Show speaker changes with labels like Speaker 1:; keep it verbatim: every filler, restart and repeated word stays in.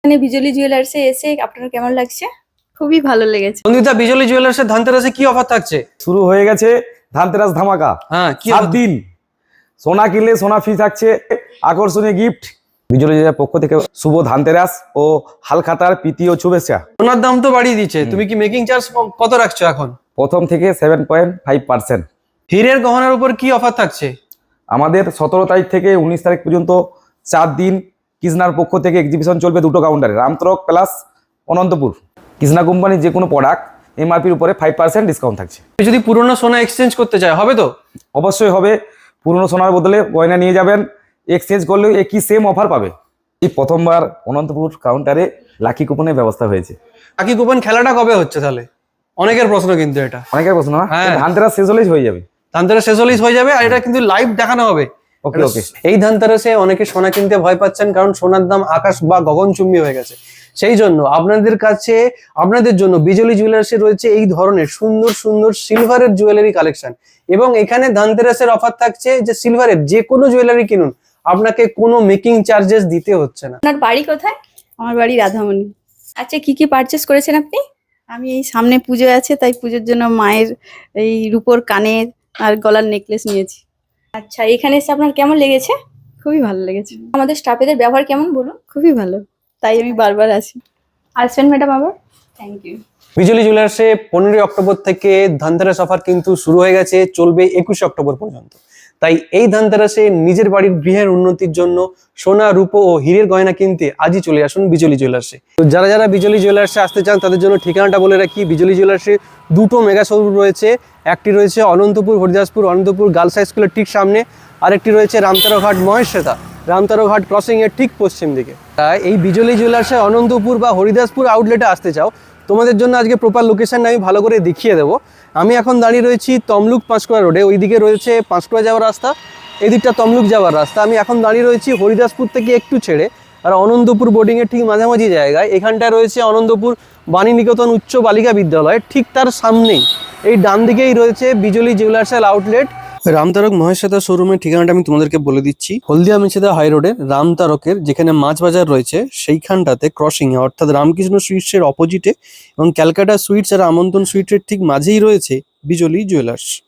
Speaker 1: এখানে বিজলি জুয়েলার্সে এসে আপনার কেমন লাগছে?
Speaker 2: খুবই ভালো লেগেছে।
Speaker 3: বন্ধুতা, বিজলি জুয়েলার্সের ধানতেরাসে কি অফার থাকছে?
Speaker 4: শুরু হয়ে গেছে ধানতেরাস ধামাকা।
Speaker 3: হ্যাঁ, কি
Speaker 4: সাত দিন সোনা কিনলে সোনা ফ্রি থাকছে, আকর্ষণীয় গিফট। বিজলি জুয়েলার্সের পক্ষ থেকে শুভ ধানতেরাস ও হালখাতার প্রীতি ও শুভেচ্ছা।
Speaker 3: সোনার দাম তো বাড়িয়ে দিচ্ছে, তুমি কি মেকিং চার্জ কত রাখছো এখন?
Speaker 4: প্রথম থেকে সেভেন পয়েন্ট ফাইভ পার্সেন্ট।
Speaker 3: হীরের গহনার উপর কি অফার থাকছে?
Speaker 4: আমাদের সতেরো তারিখ থেকে উনিশ তারিখ পর্যন্ত চার দিন কৃষ্ণার পক্ষ থেকে এক্সিবিশন চলবে দুটো কাউন্টারে, রামতরক প্লাস অনন্তপুর। কৃষ্ণা কোম্পানির যে কোনো প্রোডাক্ট এমআরপির উপরে ফাইভ পার্সেন্ট ডিসকাউন্ট থাকছে।
Speaker 3: যদি পুরনো সোনা এক্সচেঞ্জ করতে চায় হবে তো?
Speaker 4: অবশ্যই হবে। পুরনো সোনার বদলে গয়না নিয়ে যাবেন, এক্সচেঞ্জ করলেও একই সেম অফার পাবে। এই প্রথমবার অনন্তপুর কাউন্টারে লাকি কুপনের ব্যবস্থা হয়েছে।
Speaker 3: লাকি কুপন খেলাটা কবে হচ্ছে তাহলে? অনেকের প্রশ্ন কিন্তু এটা।
Speaker 4: অনেকের প্রশ্ন না,
Speaker 3: হ্যাঁ।
Speaker 4: ধানতেরাস শেষ হলেই হয়ে যাবে।
Speaker 3: ধানতেরাস শেষ হলেই হয়ে যাবে, আর এটা কিন্তু লাইভ দেখানো হবে।
Speaker 4: ওকে ওকে।
Speaker 3: এই ধানতেরাসে অনেকে সোনা কিনতে ভয় পাচ্ছেন, কারণ সোনার দাম আকাশ বা গগনচুম্বী হয়ে গেছে। সেই জন্য আপনাদের কাছে আপনাদের জন্য বিজলি জুয়েলার্সে রয়েছে এই ধরনের সুন্দর সুন্দর সিলভারের জুয়েলারি কালেকশন, এবং এখানে ধানতেরাসের অফার থাকছে যে সিলভারের যে কোনো জুয়েলারি কিনুন, আপনাকে কোনো মেকিং চার্জেস দিতে হচ্ছে না।
Speaker 1: আপনার বাড়ি কোথায়?
Speaker 2: আমার বাড়ি রাধামণি।
Speaker 1: আচ্ছা, কি কি পারচেস করেছেন আপনি?
Speaker 2: আমি এই সামনে পুজো আছে, তাই পুজোর জন্য মায়ের এই রূপোর কানের আর গলার নেকলেস নিয়েছি।
Speaker 1: আচ্ছা, এখানে এসে আপনার কেমন লেগেছে?
Speaker 2: খুবই ভালো লেগেছে,
Speaker 1: আমাদের স্টাফেদের ব্যবহার কেমন বলুন?
Speaker 2: খুবই ভালো, তাই আমি বারবার আসি।
Speaker 1: আসবেন ম্যাডাম আবার। Thank you.
Speaker 3: বিজলি জুয়েলার্সে পনেরোই অক্টোবর থেকে ধানতেরাস অফার কিন্তু শুরু হয়ে গেছে, চলবে একুশে অক্টোবর পর্যন্ত। তাই এই ধানতেরাসে নিজের বাড়ির গৃহের উন্নতির জন্য সোনা, রূপো ও হীরের গয়না কিনতে আজই চলে আসুন বিজলি জুয়েলার্সে। তো যারা যারা বিজলি জুয়েলার্সে আসতে চান তাদের জন্য ঠিকানাটা বলে রাখি। বিজলি জুয়েলার্সে দুটো মেগা শোরুম রয়েছে। একটি রয়েছে অনন্তপুর হরিদাসপুর অনন্তপুর গার্লস হাই স্কুলের ঠিক সামনে, আরেকটি রয়েছে রামতারঘাট মহেশ্বেতা রামতারঘাট ক্রসিং এর ঠিক পশ্চিম দিকে। তাই এই বিজলি জুয়েলার্সে অনন্তপুর বা হরিদাসপুর আউটলেটে আসতে চাও, তোমাদের জন্য আজকে প্রপার লোকেশনটা আমি ভালো করে দেখিয়ে দেবো। আমি এখন দাঁড়িয়ে রয়েছি তমলুক পাঁশকুড়া রোডে, ওইদিকে রয়েছে পাঁশকুড়া যাওয়ার রাস্তা, এদিকটা তমলুক যাওয়ার রাস্তা। আমি এখন দাঁড়িয়ে রয়েছি হরিদাসপুর থেকে একটু ছেড়ে আর অনন্তপুর বোর্ডিংয়ের ঠিক মাঝামাঝি জায়গায়। এখানটায় রয়েছে অনন্তপুর বাণীনিকেতন উচ্চ বালিকা বিদ্যালয়, ঠিক তার সামনেই এই ডান দিকেই রয়েছে বিজলি জুয়েলার্সের আউটলেট। রামতারক মহেশ্বেতা শোরুমের ঠিকানাটা আমি তোমাদেরকে বলে দিচ্ছি। হলদিয়া মেছেদা হাই রোডে রামতারকের যেখানে মাছ বাজার রয়েছে সেইখানটাতে ক্রসিং এ, অর্থাৎ রামকৃষ্ণ সুইটসের অপোজিটে এবং ক্যালকাটা সুইটস আর আমন্ত্রণ সুইটসের ঠিক মাঝেই রয়েছে বিজলি জুয়েলার্স।